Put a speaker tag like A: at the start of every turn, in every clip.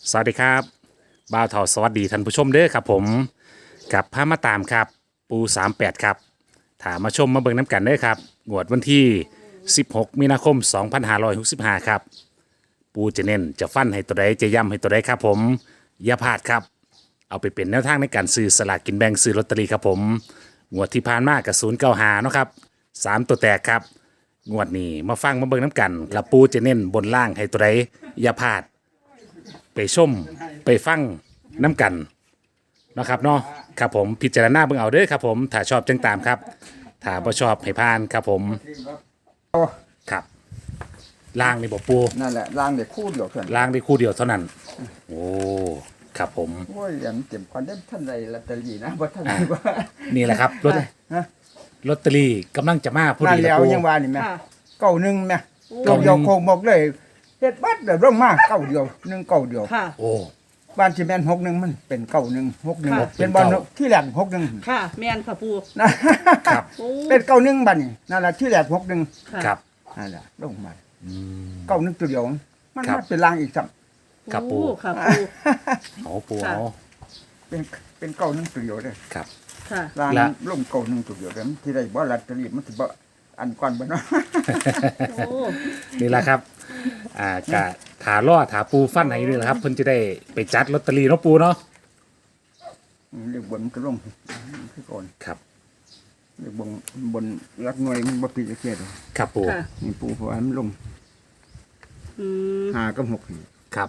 A: สวัสดีครับบ่าวเถาสวัสดีท่านผู้ชมเด้อครับผมกับพามาตามครับปู38ครับถามมาชมมาเบิ่งน้ำกันเด้อครับงวดวันที่16มีนาคม2565ครับปูจะเน้นจะฟันให้ตัวใดจะย้ำให้ตัวใดครับผมอย่าพลาดครับเอาไปเป็นแนวทางในการซื้อสลากกินแบ่งซื้อลอตเตอรี่ครับผมงวดที่ผ่านมากับ095เนาะครับ3ตัวแตกครับงวดนี้มาฟังมาเบิ่งน้ำกันแล้วปูจะเน้นบนล่างให้ตัวใดอย่าพลาด ไปชมไปฟังน้ำกันนะครับเนาะครับผมพิจารณาเบิ่งเอาเด้อครับผมถ้าชอบจังตามครับถ้าบ่ชอบให้ผ่านครับผมครับล่างนี่บ่ปู
B: นั่นแหละล่างเด็กคู่เดียวเท่านั้น
A: ล่างได้คู่เดียวเท่านั้นโอ้ครับผม
B: โอ้ยอย่างเจ็บควันได้ท่านใดลอตเตอรี่นะบ่ท่านใดว่า
A: นี่แหละครับ
B: ฮะ
A: ลอตเตอรี่กำลังจะมาพอ
B: นั่น
A: ดี
B: แล้ว
A: ปู
B: ยังว่านี่แม่
C: ค่ะ
B: เก้าหนึ่งแม่
A: เก้าหนึ่ง
B: เดียวโคงบอกเลยเฮ็ดบัดเดี๋ยวร่มมาเก้าเดียวหนึ่งเก้าเดียว
C: ค่ะ
A: โอ้
B: บ้านที่แม่นหกหนึ่งมันเป็นเก้าหนึ่งหกหนึ่ง
C: ค่ะ
B: เป็นบอลที่แหลมหกหนึ่ง
C: ค่ะแม่นค่ะปู
A: ครับ
C: โอ้
B: เป็นเก้าหนึ่งบ้านนี่นั่นแหละที่แหลมหกหนึ่ง
C: ค่ะ
A: ครับ
B: นั่นแหละลงมา
A: อืม
B: เก้าหนึ่งตัวเดียวมัน
A: ครับ
B: มาเป็นลางอีกสัม
A: ครับปู
C: โอ้ค่ะปู
A: เอาปู
C: ค่ะ
A: เอา
B: เป็นเก้าหนึ่งตัวเดียวเลย
A: ครับ
C: ค่ะ
B: ลาง
A: ละ
B: ลงเก้าหนึ่งตัวเดียวเลยที่ได้บ่ลอตเตอรี่มันสิบ่อันก่อนบ่เนาะ
C: โอ้
A: นี่แหละครับกะถาล่อถาปูฟันให้ด้วยนะครับเพิ่นจะได้ไปจัดลอตเตอรี่เนาะปูเนาะ
B: เรียกบนมันก็ลงคือก่อน
A: ครับ
B: เรียกบนรักหน่วยมันบ่ผิดจักเกียด
A: ครับปู
C: ค่ะ
B: นี่ปูเพราะว่ามันลง
C: อืม
B: 5กับ6นี่
A: ครับ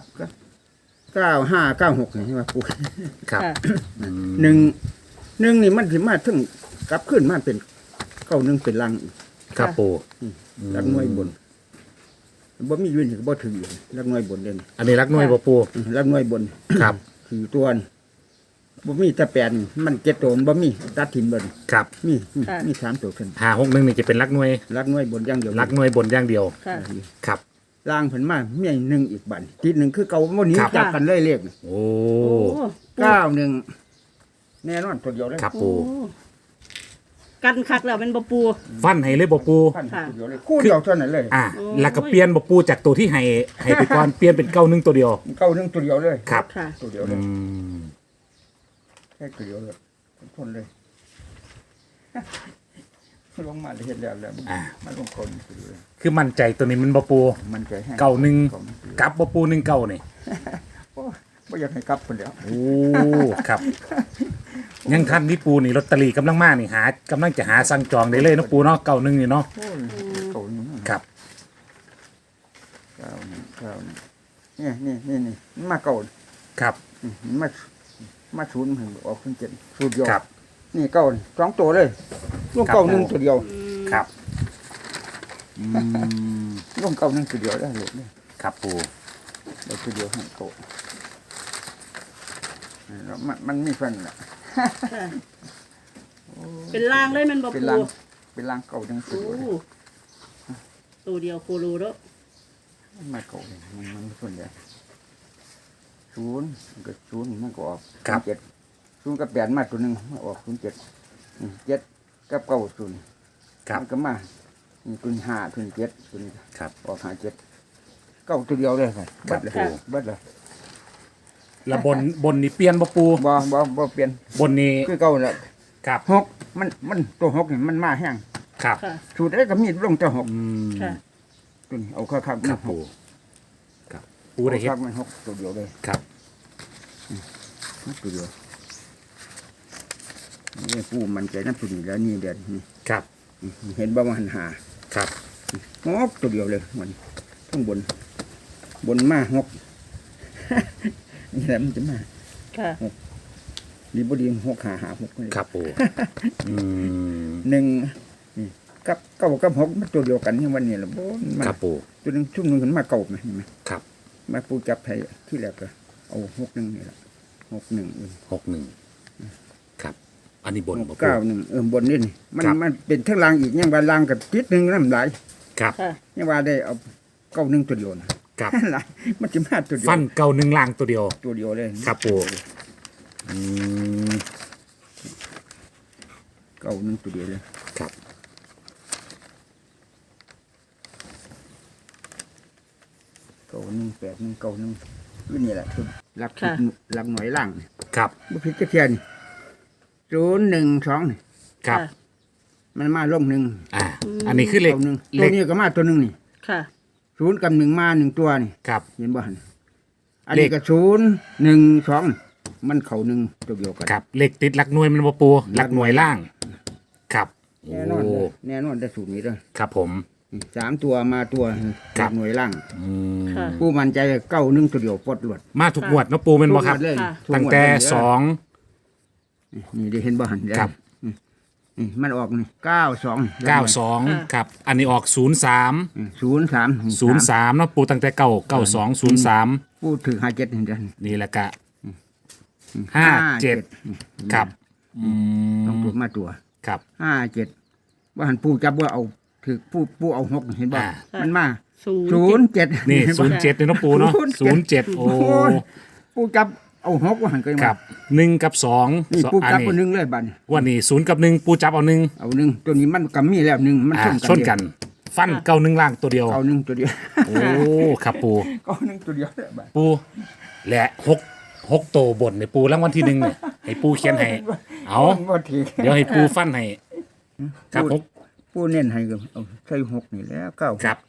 B: 9 5 9 6นี่ใช่ป่ะปู
A: ครับ
C: ค่ะ
B: หนึ่งนี่มันสิมาถึงกลับขึ้นมาเป็น91เป็นลังอีก
A: ครับปู
B: รักหน่วยบนบ่มีอยู่นี่ก็บ่ถืออยู่รักหน่วยบนเด่น
A: อันนี้รักหน่วยบ่ปู
B: รักหน่วยบน
A: ครับ
B: คือตัวนี่บ่มีแต่แปดนี่มันเจ็ดตัวมันบ่มีตัดถิ่มเบิ่น
A: ครับ
B: มีสามตัวขึ้น
A: 561นี่จะเป็นรักหน่วย
B: รักหน่วยบนอย่างเดียว
A: รักหน่วยบนอย่างเดียว
C: ค่ะ
A: ครับ
B: ล่างเพิ่นมามีหนึ่งอีกบัดทีหนึ่งคือเก่าบ่หนี้
A: ครับ
B: จับกันเลยเลข
A: โอ้
C: โอ้
B: 91แน่นอนตัวเดียวเลย
A: ครับ
C: โอ้
A: ปู
C: กันคักแล้วเป็นบ่ปู
A: ฟันให้เลยบ่ปู
B: พัน
C: ค่ะ
B: ตัวเดียวเลยคู่เดียวเท่านั้นเลย
A: โอ้แล้วก็เปลี่ยนบ่ปูจากตัวที่ให้ไปก่อน เปลี่ยนเป็น91ตัวเดียว
B: เก้าหนึ่งตัวเดียวเลย
A: ครับ
C: ค่ะ
B: ตัวเดียวเล
A: อื
B: ย
A: ม
B: แค่ตัวเดียวเลยทนเลยลงมาเลยเห็นแล้วมันลงคนตัวเดียวเลย
A: คือมั่นใจตัวนี้มันบ่ปู
B: มันใจแห้ง
A: 91กลับบ่ปู19นี่
B: โอ้ไม่อยากให้กลับคนเดียว
A: โอ้ครับ ยังทันที่ปูนี่ลอตเตอรี่กำลังมานี่กำลังจะหาสั่งจองได้เลยเนาะปูเนาะ91นี่เนาะ
B: โอ้ยเก้าหนึ่ง
A: ครับ
B: เก้าหนึ่งนี่มันมาเก่า
A: ครับ
B: มันมาศูนย์มันออกเป็นเจ็ดศูนย์เดียว
A: ครับ
B: นี่เก้าสองตัวเลยลูกเก้าหนึ่งตัวเดียว
A: ครับอืม
B: ลูกเก้าหนึ่งตัวเดียวได้เลย
A: ครับปู
B: เราตัวเดียวให้โตแล้วมันมีฟันแหละ
C: ค่ะเป็นลางเลยแมันบ่
B: เป็น
C: ปู
B: รังเป็นรังเก่าจังสุ
C: โอ้
B: ดเลย
C: ตัวเดียวโคโลเด้อ
B: มันมาเก่าเลยมันส่วนใหญ่ศูนย์มันก็ศูนย์มันก็ออกเจ็ดศูนย์กับแปดมาตัวหนึ่งมาออก07เจ็ดกับเก้าศูนย์
A: ครับ
B: มันก็มาตัวห้าตัวเจ็ดตัวนี้
A: ครับ
B: ออก57เก้าตัวเดียวเลยค่ะเบัดเลยเบัดเลย
A: แล้วบนนี่เปลี่ยนบ่ปู
B: บ่เปลี่ยน
A: บนนี่
B: คือเก่าแหละ
A: ครับ
B: หกมันตัวหกนี่มันมาแห้ง
A: ครับ
C: ค่ะ
B: สูตรได้ก็มีลงแต่หก
A: อืม
C: ค่ะ
B: ตัวนี้เอาคักๆ
A: ครับ
B: ห
A: ปู
B: ก
A: ครับปูได้เฮ็ด
B: คักๆมันหกตัวเดียวเลย
A: ครับ
B: ตัวเดียวนี่ปูมันใจน้ำตัวนี้แล้วนี่เด็ดนี่
A: ครับ
B: เห็นบ่ว่าหันหา
A: ครับ
B: หกตัวเดียวเลยมันข้างบนมาหก นี่แหละมันจะมา
C: ค่ะ
B: ดีบ่ดีหกหาหกเลย
A: ครับปูอืม
B: หนึ่งนี่กับเก้ากับหกมันตัวเดียวกันนี่วันนี้ละบ่มัน
A: ครับปู
B: ตัวหนึงชุ่มหนึงขึ้นมาเก่าไหมเห็นไหม
A: ครับ
B: มาปูจับไทยที่แรกก็เอา61นี่ละ61
A: 61ครับ อันนี้บนบ่ปู
B: 91บนนี่นี่มัน
A: ครับ
B: มันเป็นทั้งรางอีกยังว่าลางกับติดหนึงน้ำหลาย
A: ครับ
C: ค่ะ
B: ยังว่าได้เอา91ตัวเดียวนะครับ หลายมันจะมาตัวเดียว
A: ฟันเก่าหนึ่งล่างตัวเดียว
B: ตัวเดียวเลย
A: ครับปูอืม
B: 91ตัวเดียวเลย
A: ครับ
B: 91 81 91คือนี่แหละคือหลัก
C: ค่ะ
B: หลักหน่วยล่างนี่
A: ครับ
B: บ่ผิดจักเทียน012นี่
A: ครับ
C: ค่ะ
B: มันมาลงหนึ่ง
A: อันนี้คือเลข
B: ตัวหนึ่ง
A: เล
B: ตัว
A: ข
B: นี้ก็มาตัวหนึ่งนี่
C: ค่ะ
B: 0กับ1มา1ตัวนี่
A: ครับ
B: เห็นบ่หั่นอันนี้ก็012มันเข้า1ตัวเดียวกัน
A: ครับเลขติดหลักหน่วยมันบ่ปูหลักหน่วยล่าง ครับโอ้
B: แน่นอนเลยแน่นอนได้สูตรนี้เด้อ
A: ครับผม
B: 3ตัวมาตัว
A: ครับ
B: หน่วยล่าง
A: อืม
C: ค่ะ
B: ผู้มั่นใจ91ตัวเดียวปลดหลวด
A: มาถูกงวดเนาะปูเป็นบ่ครับ
B: ทุกงวดเลย
C: ค่ะ
B: ทุก
A: ตั้ง
B: งวด
A: แต่
B: เลย
A: สอง
B: นี่ได้เห็นบ่หั่น
A: ครับ
B: นี่มันออกนี่92
A: 92ครับ อันนี้ออก 03
B: 03
A: เนาะปูตั้งแต่92
B: ผู้ถือ57นี่เด้อ
A: นี่แหละกะ57ครับอืม
B: ต้องตัวมาตัว
A: ครับ
B: 57ว่าหันผู้จับว่าเอาถือผู้เอา6เห็นบ่
A: อ่า
B: มันมา
C: 07
B: 07
A: นี่
B: เห็บ่
A: 07เนี่ยเนาะปูเนาะ07โอ้
B: ยผู้จับเอา6ว่าหันก็ยัง
A: ครับ1กับ2
B: นี่ผู้จับ
A: อั
B: คนหนึงเลยบัดนี้
A: วันนี้0กับ1ปูจับเอา1
B: เอาหนึ่งตัวนี้มันก็มีแล้วหนึ่งมัน
A: ชนกัน ฟันเก้า1ล่างตัวเดียว
B: เอาหนึ่งตัวเดียว
A: โอ้ครับปู
B: เอาหนึ่งตัวเดียวเลยบัด
A: ปูและ6โตวบนในปูรางวัลที่1เนี่ยให้ปูเขียนให้เอา
B: บ่ถือ
A: เดี๋ยวให้ปูฟันให้ครับผม
B: ผู้เน้นให้ก็เอาใส่6นี่แล้ว9
A: ครับ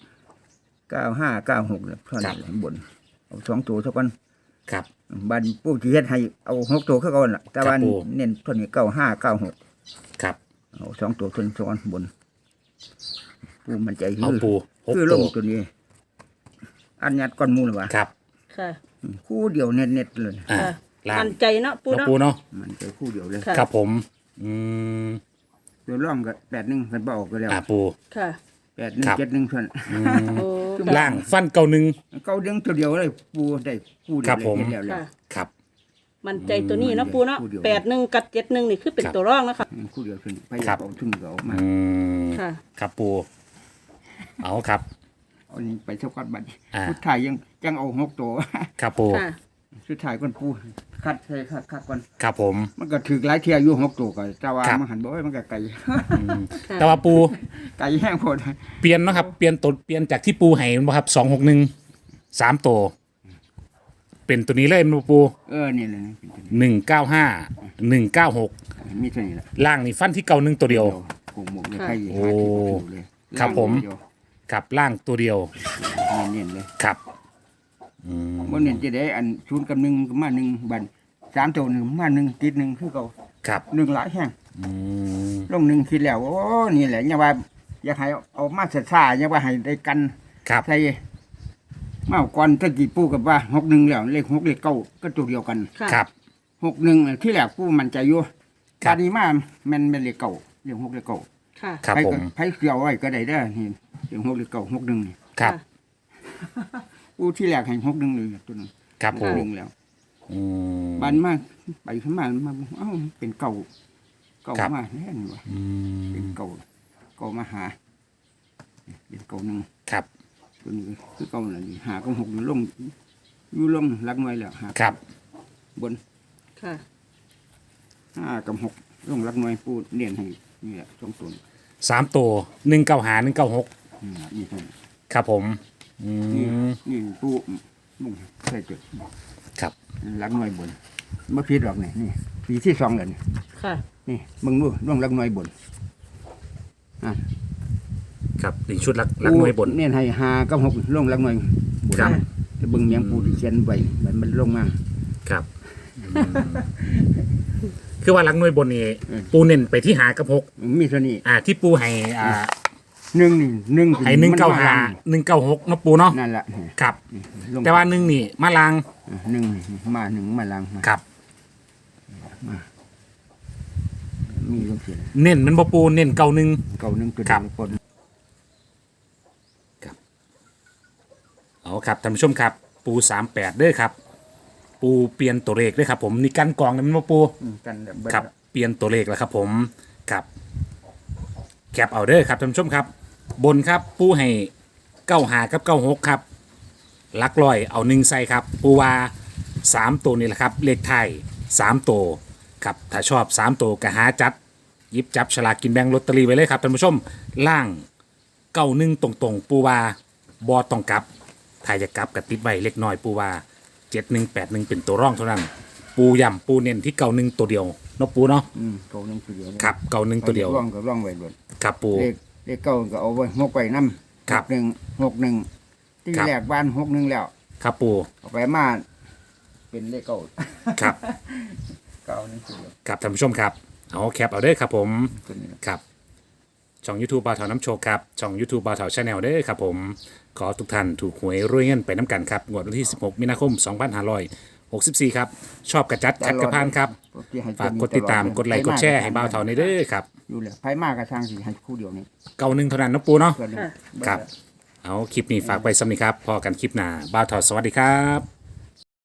B: 95 96เนี่ยเท่านั้นแหละบนเอา2ตัวเท่ากัน
A: ครับ
B: บัดผู้ที่เฮ็ดให้เอา6ตัวคือเก่าน่ะแต่ว่า
A: ครับปู่
B: เน้นตัวนี้95 96
A: ครับ
B: เอา2ตัวตัวนี้ซ้อนบนผู้มันใจ
A: เอาปู6
B: คือล
A: โต
B: ง
A: ว
B: ตัวนี้ อันยัดก้อนหมูเลยว่ะ
A: ครับ
C: ค่ะ
B: คู่เดียวเน็ตๆเลย
A: อ่า
C: ค่ะ
A: ล่าง
C: มั่นใจเนาะปู
A: เนาะ
C: เนาะ
A: ปูเนาะ
B: มันใจคู่เดียวเลย
C: ค่ะ
A: ครับผมอืม
B: ตัวร่องก็81กันบ่ออกก็แล้ว
A: ปู
C: ค่ะ
A: ครับ
B: 81 71เท่านั้น
C: โอ้
A: ล่างฟันเก้า1
B: เก้าเด้งตัวเดียวเลยปูได้คู่เดี
A: ครั
B: ยว
A: บ
B: เลย
A: ผม
B: เห็นแล้วแหละ
C: ค่ะ
A: ครับ
C: มั่นใจตัวนี้เนาะปูเนาะ
B: คู่เดียว
C: 81กับ71นี่คือเป็น
A: ครับ
C: ตัวรองนะคะ
B: คู่เดียวขึ้นไป
A: ครับ
B: เอาทุ่งก็เอามา
A: อืม
C: ค่ะ
A: ครับปูเอาครับ
B: เอานี่ไปเท่ากันบัดนี้
A: อ่า
B: สุดท้ายยังเอา6ตัว
A: ครับปู
C: ค่ะ
B: สุดท้ายก่อนปูคัดใส่คัดก่อน
A: ครับผม
B: มันก็ถือหลายเที่ยอยู่6ตัวก็แต่ว่า
A: ครับ
B: มันหันบ่เอ้ยมันก็ไกล
A: อืม
C: ค่ะ
A: แต่ว่าปู
B: ไกลแห้งโพด
A: เปลี่ยนเนาะครับเปลี่ยนตัวเปลี่ยนจากที่ปูให้มันบ่ครับ261 3ตัวเป็นตัวนี้เลยมันบ่ปู
B: นี่เลยเป็นตัวนี้
A: 195 196
B: มีเท่านี้แหละ
A: ล่างนี่ฟันที่เก่า1ตัวเดียว
B: โอ้โหหมกเลย
C: ค่ะ
B: ใคร
A: โอ้
B: หาที่บ่ถูกเลย
A: ครับผม
B: เดียว
A: ครับล่างตัวเดียว
B: เน้นๆเลย
A: ครับอืม
B: บ่เน้นจะได้อัน0กับ1ก็มา1บัด3ตัว1มา1ติด1คือเก่า
A: ครับ
B: 1หลายแห้ง
A: อืม
B: ลง1คิดแล้วโอ้นี่แหละอย่าว่าอยากให้เอามาซ่าๆอย่าว่าให้ได้กัน
A: ครับ
B: ใส่มาเอาก่อนตะกี้ปู่กับว่า61แล้วเลข6เลข9ก็ตัวเดียวกัน
C: ค่ะ
A: ครับ
B: 61ที่แรกปู่มั่นใจอยู่
A: ครับ
B: บัดนี้มาแม่นเลข9เลข6เลข9
C: ค่ะ
A: ครับ
B: ไผ
A: ผ
B: ก็
A: ม
B: ไผเสียวไว้ก็ได้เด้อนี่เลข6เลข9 61นี่
A: ครับ
B: ปู่ที่แรกให้61เลยตัวนึง
A: ครับผม
B: 61แล้ว
A: อืม
B: บันมาไปขึ้นมาเอ้าเป็นเก่า
A: ครับ
B: มาแน่นวะ
A: อืม
B: เป็นเก่ามาหาเป็นเก่าหนึ่ง
A: ครับ
B: ตัวนี้คือเก่าหนึ่งหาก็หกอยู่ลงอยู่ลงรักน้อยแล้วหา
A: ครับ
B: บน
C: ค่ะ
B: ห้ากับหกลงรักน้อยปูเนียนให้นี่แหละสองตัว
A: 3ตัว195 196
B: นี่เท่านี้
A: ครับผมอื
B: นี่
A: ม
B: นี่ปูลงใส่จุด
A: ครับ
B: รักน้อยบนเมื่อพีดหรอกนี่ปีที่สองเลยนี่
C: ค่ะ
B: นี่มึงดูลงรักน้อยบน
A: ครับนี่ชุดลักหน่วยบน
B: เนียนให้หากับหกลงรักน้อยบน
A: ครับ
B: แต่เบิ่งเมียงปูที่เขียนไว้มันลงมา
A: ครับคือว่าหลักหน่วยบนนี่
B: อืม
A: ปูเน้นไปที่หากับ6
B: มีเท่านี้
A: ที่ปูให้
B: หนึ่งนี่หนึ่ง
A: ให้195 196เนาะปูเนาะ
B: นั่นแหละ
A: ครับ
B: ลง
A: แต่ว่า1นี่มาลาง
B: หนึ่งมาหนึ่งมาลังมา
A: ครับ
B: มีลงเสีย
A: เน้นมันบ่ปูเน้นเก่า1
B: เก่าหนึ่งตัว
A: ครับ
B: เดียวคน
A: เอาครับท่านผู้ชมครับปู38เด้อครับ ปูเปลี่ยนตัวเลขเด้อครับ ผมนี่กันกองนี่มันบ่ปู
B: กันแบบเด
A: ครับเปลี่ยนตัวเลขแล้วครับผมครับแคปเอาเด้อครับท่านผู้ชมครับ บนครับปูให้95กับ96ครับหลักร้อยเอา1ใส่ครับ ปูว่า3ตัวนี่แหละครับเลขไทย3ตัวครับถ้าชอบ3ตัวก็หาจัดหยิบจับฉลากกินแบ่งลอตเตอรี่ไว้เลยครับท่านผู้ชมล่าง91ตรงๆ ปูว่าบอต้องกลับถ้าจะกลับกับติดไว้เล็กน้อยปูว่า 7181เป็นตัวร่องเท่านั้น ปูย่ำปูเน้นที่เก่าหนึ่งตัวเดียวเนาะปูเนาะ
B: เก่าหนึ่งตัวเดียว
A: ครับเก่าหนึ่งตัวเดียว
B: ร่องก็ร่องไว้ด้วย
A: ครับปู
B: เลขเก่าก็เอาไว้หกไว้น้ำ
A: ครับ
B: 61ที่
A: ครับ
B: แรกบ้าน61แล้ว
A: ครับปู
B: เอาไปมาเป็นเลขเก่า
A: ครับ
B: เก่าหนึ่งตัวเดียว
A: ครับท่านผู้ชมครับเอาแคปเอาเด้อครับผม
B: ตัวนี้
A: ครับช่อง YouTube บ่าวเถาน้ำโชคครับช่อง YouTube บ่าวเถาชาแนลเด้อครับผมขอทุกท่านถูกหวยรวยเงินไปน้ำกันครับงวดวันที่ 16 มีนาคม 2564 ครับ ชอบกระจัดขัดกระพานครับ ฝากกดติดตามกดไลค์กดแชร์ให้บ่าวเถาในเด้อครับ
B: อยู่แล้วไผมากกระช่างสิให้คู่เดียวนี่
A: เก่าหนึ่งเท่านั้นเนาะปูเนาะ
B: เกินหนึ่ง
A: ครับ เอาคลิปนี้ฝากไปสำหรับนี้ครับพอกันคลิปหน้าบ่าวเถาสวัสดีครับ